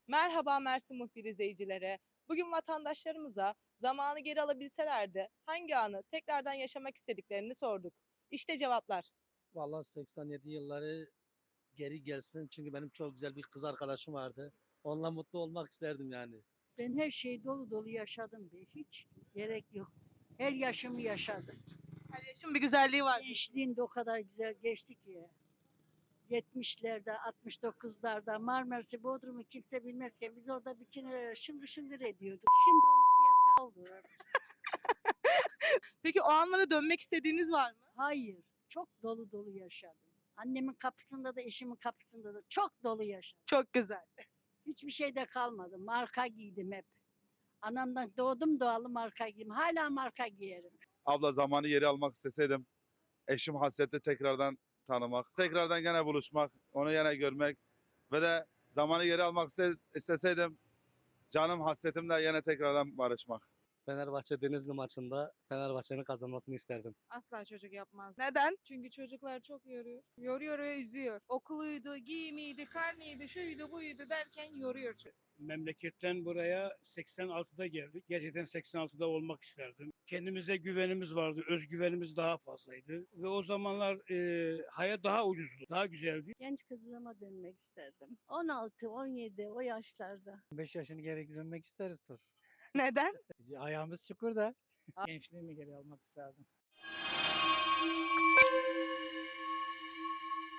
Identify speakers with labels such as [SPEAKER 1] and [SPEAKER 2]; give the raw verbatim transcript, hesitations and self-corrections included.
[SPEAKER 1] Merhaba Mersin Muhbir izleyicileri. Bugün vatandaşlarımıza zamanı geri alabilselerdi hangi anı tekrardan yaşamak istediklerini sorduk. İşte cevaplar.
[SPEAKER 2] Vallahi seksen yedi yılları geri gelsin. Çünkü benim çok güzel bir kız arkadaşım vardı. Onunla mutlu olmak isterdim yani.
[SPEAKER 3] Ben her şeyi dolu dolu yaşadım be. Hiç gerek yok. Her yaşımı yaşadım.
[SPEAKER 1] Her yaşın bir güzelliği var.
[SPEAKER 3] Gençliğim de o kadar güzel geçti ki. yetmişlerde, altmış dokuzlarda Marmaris'i, Bodrum'u kimse bilmezken biz orada bikini şıngır şıngır ediyorduk. Şimdi orası bir yatağı oldu.
[SPEAKER 1] Peki o anlara dönmek istediğiniz var mı?
[SPEAKER 3] Hayır, çok dolu dolu yaşadım. Annemin kapısında da eşimin kapısında da çok dolu yaşadım.
[SPEAKER 1] Çok güzel.
[SPEAKER 3] Hiçbir şeyde kalmadı. Marka giydim hep. Anamdan doğdum doğalı marka giydim. Hala marka giyerim.
[SPEAKER 4] Abla zamanı geri almak isteseydim, eşim hasreti tekrardan tanımak, tekrardan gene buluşmak, onu gene görmek ve de zamanı geri almak iste- isteseydim, canım hasretimle yine tekrardan barışmak.
[SPEAKER 2] Fenerbahçe Denizli maçında Fenerbahçe'nin kazanmasını isterdim.
[SPEAKER 5] Asla çocuk yapmaz.
[SPEAKER 1] Neden?
[SPEAKER 5] Çünkü çocuklar çok yoruyor. Yoruyor ve üzüyor. Okuluydu, giyimiydi, karnıydı, şuydu, buydu derken yoruyor çocuk.
[SPEAKER 6] Memleketten buraya seksen altıda geldik. Gerçekten seksen altıda olmak isterdim. Kendimize güvenimiz vardı, özgüvenimiz daha fazlaydı. Ve o zamanlar e, hayat daha ucuzdu, daha güzeldi.
[SPEAKER 3] Genç kızıma dönmek isterdim. on altı on yedi o yaşlarda.
[SPEAKER 7] beş yaşını geri dönmek isteriz tabii.
[SPEAKER 1] Neden?
[SPEAKER 7] Ayağımız çukurda.
[SPEAKER 6] Gençliğimi geri almak isterdim.